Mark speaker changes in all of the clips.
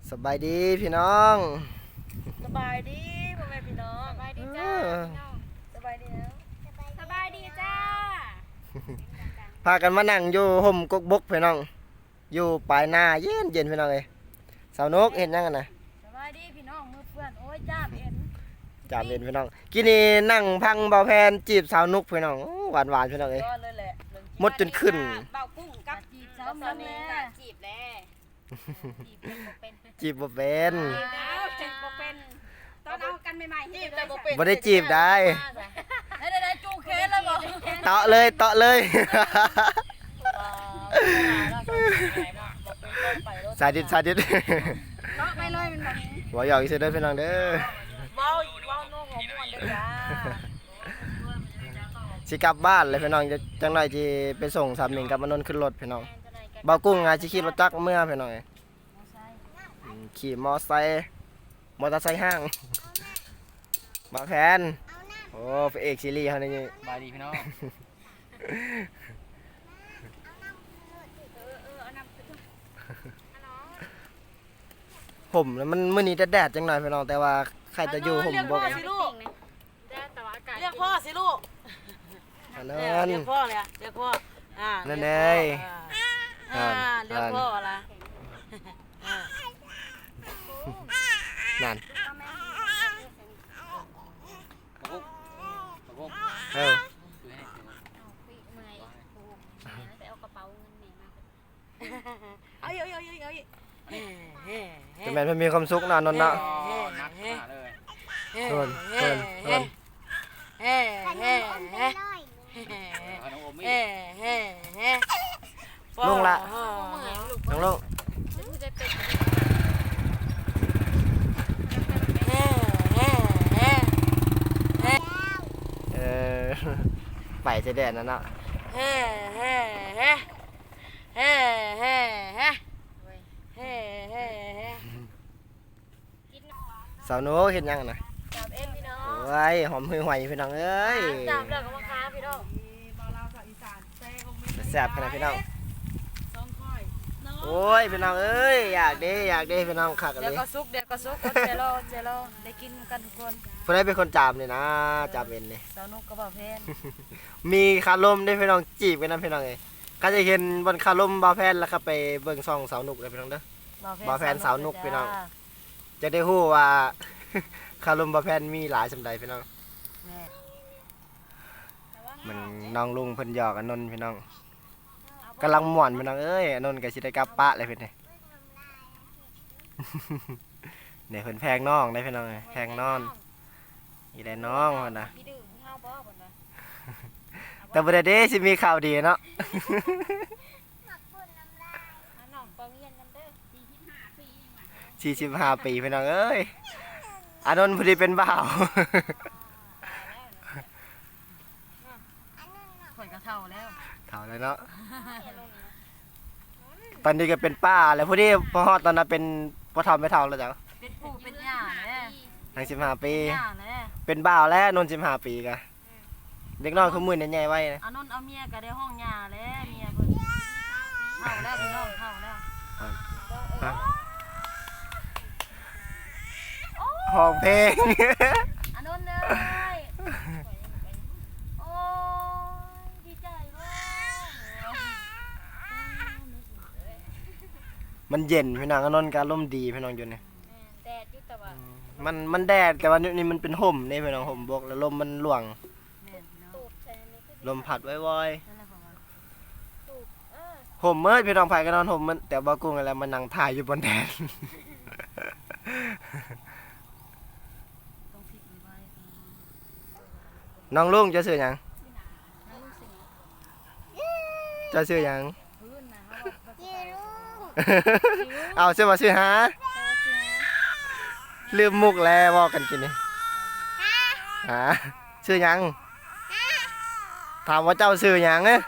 Speaker 1: สบายดีพี่น้อง
Speaker 2: สบายดีพ่อแม่พี่น้อง
Speaker 3: สบายดีจ้าพี่น้อง
Speaker 2: สบายดีแล้ว
Speaker 3: สบายดีจ้า
Speaker 1: พากันมานั่งอยู่ห่มกกบกพี่น้อง อยู่ปลายนาเย็นเย็นพี่น้องเอ้ยสาวนกเห็นยังกันนะ
Speaker 3: สบายดีพี่น้องมือเพื่อนโอ้ยจ้าเอ็น
Speaker 1: จามเย็นพี่น้องกินนี่นั่งพังเบาแพนจีบสาวนกพี่น้องหวานหวานพี่น้องเอ้ย
Speaker 2: ยอดเลยแหละ
Speaker 1: มดจนขึ้น
Speaker 2: เบากุ้งกับ
Speaker 3: จีบสาวน้องแม่
Speaker 2: จีบแล้ว
Speaker 3: จีบเป็น
Speaker 1: จีบบ่เป็น
Speaker 3: จีบแล้วจีบบ่เป็นตอนเอากันใหม่ๆ
Speaker 2: จีบแต่บ่เป็น
Speaker 1: บ่ได้จีบได้
Speaker 3: ได้จูเคสแล้วบ่
Speaker 1: เตาะเลยเตาะเลย สาดิตสาดิต
Speaker 3: เนาะไปเลยมันแบบ
Speaker 1: หัวหยอกอีกเด้อพี่น้องเด้อ
Speaker 2: เว้าโน้ของม่วนเด้อจ้า
Speaker 1: สิกลับบ้านเลยพี่น้องจังหน่อยที่ไปส่งสามหนึ่งกับมานนท์ขึ้นรถพี่น้องเบากุ้งอาจสิขี่รถจักรเมื่อพี่น้องขี่มอไซค์มอเตอร์ไซค์ห้างมาแพนโอ้พระเอกซีรีส์เขานี่
Speaker 4: บายดีพี่น้อง
Speaker 1: ผมแล้วมันมื้อนี้แดดๆจังหน่อยพี่น้องแต่ว่าใครจะอยู่ผมบอก
Speaker 2: เรียกพ่อสิลูก
Speaker 3: แต่ว่าอากาศ
Speaker 2: เรียกพ่อสิลูก
Speaker 1: อัน
Speaker 2: เรี
Speaker 1: นั้น
Speaker 2: ยกพ่อเลยเรียกพ่อ
Speaker 1: นั่นเอง
Speaker 2: เรียกพ่อละ
Speaker 1: นั่น
Speaker 4: ตะกุกตะกุก
Speaker 1: เออ
Speaker 4: คือให้
Speaker 3: เมื่อยไปเอากระเป๋าเงินนี่มา
Speaker 2: เอาอีก
Speaker 1: จะแม่นเพิ่นมีความสุขเนาะนนท์เนาะ
Speaker 4: นักหนาเลย
Speaker 1: โดน
Speaker 4: เอาน้องโอมี่
Speaker 1: ลุงละ
Speaker 3: เมื่อยลูก
Speaker 1: น้องลุง
Speaker 3: จะพูดได้เป็น
Speaker 1: เออไปจะแดดนั่นเนาะสาวหนูเห็นยังนะ
Speaker 3: จับเอ็นพี่น้อง
Speaker 1: โอ้ยหอมหือหวยพี่น้องเอ้ย
Speaker 3: จับแล้วก็มาค้าพี่น้อง
Speaker 1: แซ่บขนาดพี่น้องโอ้ยพี่น้องเอ้ยอยากได้พี่น้องคักเล
Speaker 2: เดี๋ยวย ก็ซุกเจโร่ได้กินกันทุกคน
Speaker 1: ผู้ใดเป็นคนจามนี่นะจามเป็นนี่
Speaker 2: สาวนุกกระบอกเพน
Speaker 1: มีคาลมได้พี่น้องจีบกันนะพี่น้องเอ้ยก็จะเห็นบนคาลมบาแพนแล้วก็ไปเบิ่งซ่องสาวนุกเลยพี่น้องเด้อ บ่าวแฟนสาวนุกพี่น้อง จะได้ฮู้ว่า คาลมบาแพนมีหลายสำใดพี่น้อง
Speaker 2: แม่
Speaker 1: มันน้องลุงเพิ่นหยอกอนนท์พี่น้องกำลังม่วนพี่น้องเอ้ยอนนท์ก็สิได้กลับปะเลยเพิ่นนี่ เนี่ยเพิ่นแพงน้องได้พี่น้องเอ้ยแพงนอนอีได้น้องพุ่นน่ะ
Speaker 3: พี่ดื้อเฮาบ่เพิ่นว่า
Speaker 1: แต่บ่ได้เด้สิมีข่าวดีเนาะ
Speaker 3: น้องปองเรียนกันเด้อ45ปียังว่า
Speaker 1: 45 ปีพี่น้องเอ้ยอานนท์พอดีเป็นบ่าว
Speaker 2: ข่อยก็เท่าแล้ว
Speaker 1: เฒ่าแล้วเนาะตอนนี้ก็เป็นป้าแล้วพอดีพอฮอดตอนนั้นเป็นพ่อเฒ่าไม่เฒ่าแล้วจ้ะ
Speaker 2: เป็นปู่เป็นย่าแน่
Speaker 1: ทั้ง15 ปี
Speaker 2: ย่าแน่
Speaker 1: เป็นบ่าวแล้วนนท์15 ปีกะเด็กน้อยคือมื้อนี่ใหญ่ไว้นะ
Speaker 2: เอานนเอาเมียก็ได้ห้องย่าแล้วเมียเพิ่นเท่าแล้วพี่น้องเท่าแล้ว
Speaker 1: ห้องเพลง
Speaker 2: อันนนเลยโอ้ยดีใจเว้ย
Speaker 1: มันเย็นพี่น้องอนนท์ก็อารมณ์ดีพี่น้องอยู่นี่
Speaker 3: แดดอยู่แต่ว่า
Speaker 1: มันแดดแต่ว่านี่มันเป็นห่มนี่พี่น้องห่มบกแล้วลมมันหลวง
Speaker 2: แม่นพี่น้อง
Speaker 3: ตูบใส่นี่คือ
Speaker 1: ลมพัดว้อย
Speaker 2: นั่นแหละของมัน
Speaker 3: ตูบ
Speaker 1: ๆห่มเมื่อพี่น้องไผก็นอนห่มมันแต่บ่กุ้งอะไรมันนั่งถ่ายอยู่บนแดด
Speaker 2: ต้องฟิกไว้
Speaker 1: น้องลุงจะซื้อหยัง
Speaker 3: น้ำสิง
Speaker 1: จะซื้อหยัง
Speaker 3: พื้นนะเฮาบ่สิไป
Speaker 1: เอาซื้อมาซื้อหา
Speaker 3: แต่ว่าสิฮะ
Speaker 1: ลืมมุกแล้วบอกกันกินนี่หาซื้อหยังถามว่าเจ้าซื้อหยังเอ้ย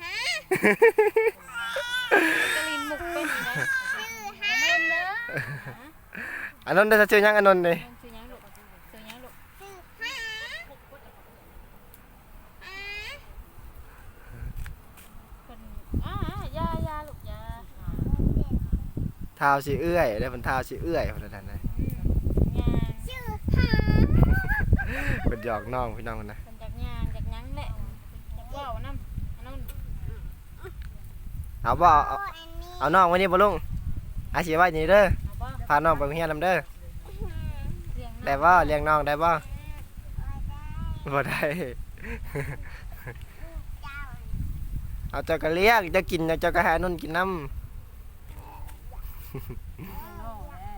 Speaker 3: กะลินมุกเป็นนี่นะชื่อฮะเด้อ
Speaker 1: อันนั้นได้ซื้อหยังอันนั้นนี่
Speaker 3: ชื่อหยังลูกชื่อหยังลูกคนยาลูกยา
Speaker 1: ถท้าวสิเอื้อยได้เป็นท้าวสิเอื้อยเพราะนั้นนะ
Speaker 3: ย่าง
Speaker 1: เป็นหยอกน้องพี่น้องนะ
Speaker 3: เป็นจากย่างจากหยังแหละจากว่าวน้ำอันนั้น
Speaker 1: เอาบ่เอาน้องไว้นี่บ่ลุงอาสิไว้นี่เด้อ
Speaker 3: เอาบ่
Speaker 1: พาน้องไปโรงเรียนนำเด้อ
Speaker 3: เลี้ยง
Speaker 1: ได้บ่เลี้ยงน้องได้บ่บ่ได้ เอาเจ้าก็เลี้ยงเจ้ากินเจ้าก็ให้นุ่นกินน้ำ
Speaker 3: น้องแหละ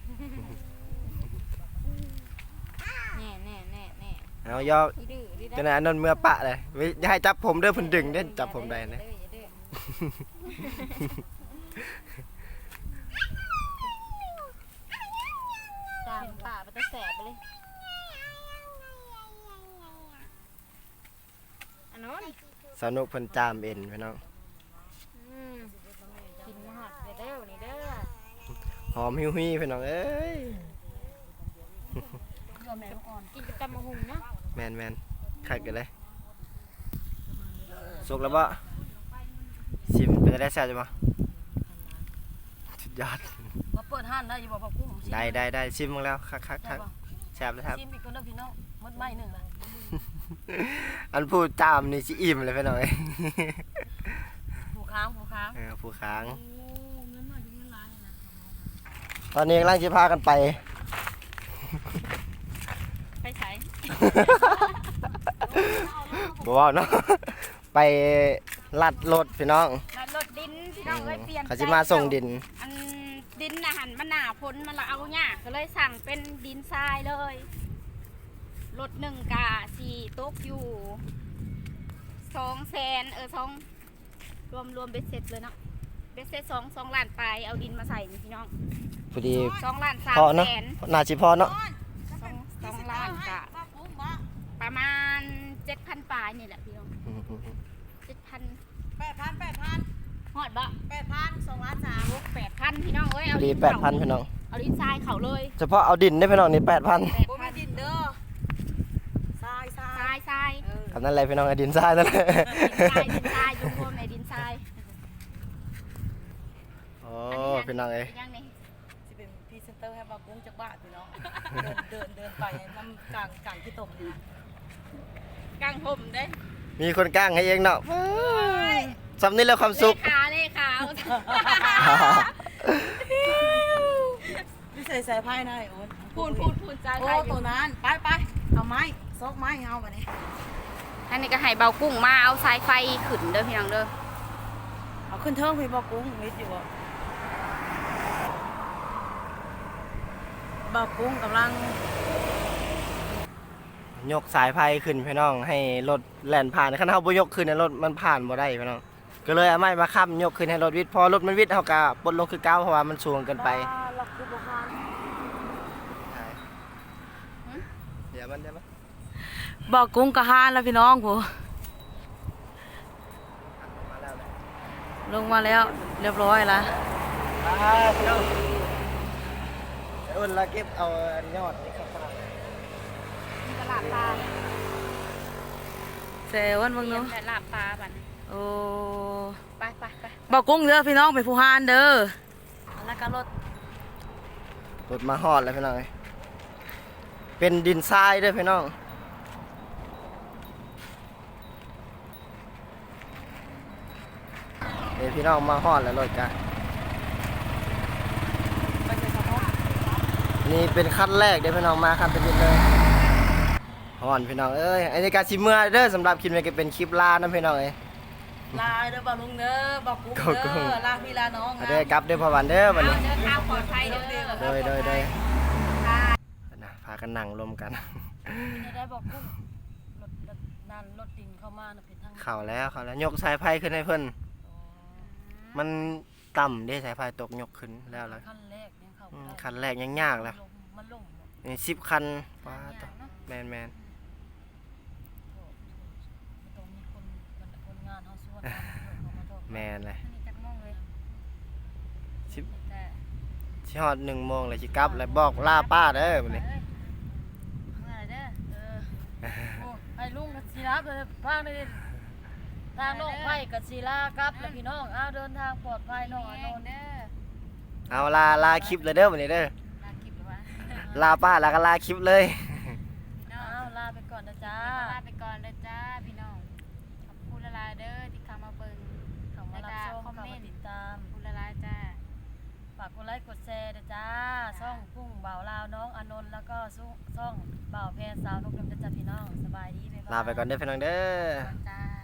Speaker 3: แน่
Speaker 1: เอายอก
Speaker 3: อีดื้ออีดื้อ
Speaker 1: จะไหนนนท์เมื่อปะเลยอย่าให้จับผมเด้อเพิ่นดึงเด้อจับผมได้นะ
Speaker 3: ตามป่าไปตะแสบไปเลยอันนั้น
Speaker 1: สนุกเพิ่นจามเอ็นพี่น้อง
Speaker 3: กินมาหอดเด้อนี่เด้อ
Speaker 1: หอมหิวๆพี่น้องเอ้ย
Speaker 3: กินกับตำมะฮุงเนาะ
Speaker 1: แมนคักกันเลยสุกแล้วบ่ชิมเป็นได้แซ่บจังบ่สุดยอด
Speaker 2: มาเปิดห้านได้อยู่บ่พ่อกุ้ง
Speaker 1: ได้ชิมมาแล้วคักแซ่บเลยครับ
Speaker 2: ชิมอีกคนเด้อพี่น้องมดไม้หนึ่งละ
Speaker 1: อันพูดจามนี่สิอิ่มเลยพี่น้องเอ้ย
Speaker 2: ผู้ค้างผู้ค้าง
Speaker 1: ผู้ค้าง
Speaker 2: เงินหน่อยเงินหลายนะ
Speaker 1: ตอนนี้กำลังจะพากันไป
Speaker 3: ไปใส่
Speaker 1: บ่ว่าเนาะไปลัดรถพี่น้อง
Speaker 3: แล้วรถดินพี่น้องเอ้ยเปลี่ยน
Speaker 1: เขาสิมาส่งดิน
Speaker 3: อันดินน่ะหันมันหนาพ้นมันละเอาหญ้าก็เลยสั่งเป็นดินทรายเลยรถหนึ่งกะสี่ตกอยู่200,000รวมเบ็ดเสร็จเลยเนาะเบ็ดเสร็จ2 ล้านปลายเอาดินมาใส่นี่พี่น้อง
Speaker 1: พอดี
Speaker 3: 2 ล้าน
Speaker 1: พอเนาะ
Speaker 3: 3 แสน
Speaker 1: น่าสิพอเนาะ
Speaker 3: 2 ล้านกะประมาณ 7,000 ปลายนี่แหละพี่น้อง 7,000
Speaker 2: 8,000
Speaker 3: ฮอดบ่
Speaker 2: 8,000 2 ล้าน3
Speaker 3: 8,000พี่น้องเอ้ย
Speaker 1: พ
Speaker 3: เอา
Speaker 1: อดี
Speaker 3: ดินเขา
Speaker 1: 8,000พี่น้อง
Speaker 3: เอาดินทรายเขาเลย
Speaker 1: เฉพาะเอาดินได้พี่น้องนี่ 8,000
Speaker 2: บ่มีดินเด้อทราย
Speaker 3: ทราย
Speaker 1: คำนั้นอะไรพี่น้องไอ้ดินทรายนั่นแหละ
Speaker 3: ดินทรายรวมในดินทราย
Speaker 1: โอ้พี่น้องเอ้ย
Speaker 3: ยังนี่
Speaker 2: สิเป็นพรีเซนเตอร์ให้บ่กุ้งจากบ้านพี่น้องเดินไปน้ำกลางที่ตมนี่
Speaker 3: กลางห่มเด้
Speaker 1: มีคนก้างให้เองเนาะสำนี้แล้วความสุข
Speaker 3: เลขา
Speaker 2: พี่ใส่ไพ่ได้โอ้ย
Speaker 3: พูนใจ
Speaker 2: โอ้ตัวนั้นไปเอาไม้ซอกไม้เอามาเนี่ย
Speaker 3: อันนี้ก็ให้เบากุ้งมาเอาสายไฟขึ้นเด้อพี่น้องเด้อ
Speaker 2: เอาขึ้นเทิงพี่บอกกุ้งมิดอยู่บ่บอกกุ้งกำลัง
Speaker 1: ยกสายไฟขึ้นพี่น้องให้รถแล่นผ่านคันเฮาบ่ยกขึ้นรถมันผ่านบ่ได้พี่น้องก็เลยเอาไม้มาค้ำยกขึ้นให้รถวิทย์พอรถมันวิทย์เฮาก็ปลดลงคือเก่าเพราะว่ามันสูงเกินไป
Speaker 2: หลักคือบ่ฮาน
Speaker 1: เดี๋ยวมันได้มั้ย
Speaker 2: บอกกุ้งกะฮานแล้วพี่น้องผู้
Speaker 1: มาแล้ว
Speaker 2: ลงมาแล้วเรียบร้อยแล้ว
Speaker 1: พี่น้องอุ่นละเก็บเอายอดนี่ครับ
Speaker 3: ตลาดปลา
Speaker 2: เซวันเบิ่ง
Speaker 3: เลี้ย
Speaker 2: เนาะ
Speaker 3: งตลาดปลาบัดนี้
Speaker 2: โอ้
Speaker 3: ไป
Speaker 2: บอกกุ้งเด้อพี่น้องไปผู้ฮานเด้อแล้วก็รถ
Speaker 1: รถมาฮอดแล้วพี่น้องเอ้ยเป็นดินทรายเด้อพี่น้องเดี๋ยวพี่น้องมาฮอดแล้วรถกัน
Speaker 2: ไปใส่สะโพก
Speaker 1: นี่เป็นขั้นแรกเด้อพี่น้องมาครับเป็นดินเลยฮอนพี่น้องเอ้ยอันนี้การชิมเมื่อเด้อสำหรับคลิปนี้ก็เป็นคลิปลานะพี่น้องเอ้ย
Speaker 2: ลาเด้อบอกลุงเด้อบอกกุ้ง
Speaker 1: บอกกุ้
Speaker 2: เด้
Speaker 1: ง
Speaker 2: อลาพี่ลาน้อง
Speaker 1: เด้อกลับเด้อพ่อวันเด้อวันนี้
Speaker 3: เดินทางปลอดภัยเด้อ
Speaker 1: โดยนะพากันนั่งรวมกัน
Speaker 2: ได้บอกกุ้งรถนั่นรถดินเข้ามาน่ะเป็นทาง
Speaker 1: เข้าแล้วยกสายไฟขึ้นให้เพิ่นมันต่ำเด้สายไฟตกยกขึ้นแล้วล่ะ
Speaker 2: ขั้นแรกยังเข้า
Speaker 1: คันแรกยังยากล่ะ
Speaker 2: มันลง
Speaker 1: นี่10คันว้าตแมน
Speaker 2: ต้องมีคนงานเฮาส่วน
Speaker 1: แมนเลย
Speaker 3: นี่จักโมงเลย
Speaker 1: สิบ
Speaker 3: แต่
Speaker 1: สิฮอด1 โมงเลยสิกลับแล้วบอกลาป้าเด้อบัดนี้
Speaker 3: เมื่อไรเด้อ
Speaker 2: โอ้ไอ้ลุงกับศิลาไปพางได้ทางน้องไผ่กับศิลาครับแล้วพี่น้องอ้าวเดินทางปลอดภัยน้องอานนท์
Speaker 3: เด้อ
Speaker 1: เอาลาคลิปเลยเด้อวันนี้เด้อ
Speaker 2: ลาคลิปหรือว่า
Speaker 1: ลาป้าแล้วก็ลาคลิปเลย
Speaker 2: พี่น้องลาไปก่อนนะจ้าลาไปก่อนนะจ้าพี่น้องขอบคุณละลายเด้อที่เข้ามาเบิ่ง
Speaker 5: เข้ามารับชม
Speaker 2: คอม
Speaker 5: เข้า
Speaker 2: เม
Speaker 5: มาน
Speaker 2: ต์
Speaker 5: ติดตาม
Speaker 2: ขอบคุณละลายจ้า
Speaker 5: ฝากกดไลค์กดแชร์ด้วยจ้าช่องกุ้งบ่าวลาวน้องอานนท์แล้วก็ช่องบ่าวแพรสาวนกดำจะจัดพี่น้องสบายดีบ๊ายบาย
Speaker 1: ลาไปก่อนเด้อพี่น้องเด้อ
Speaker 2: จ้า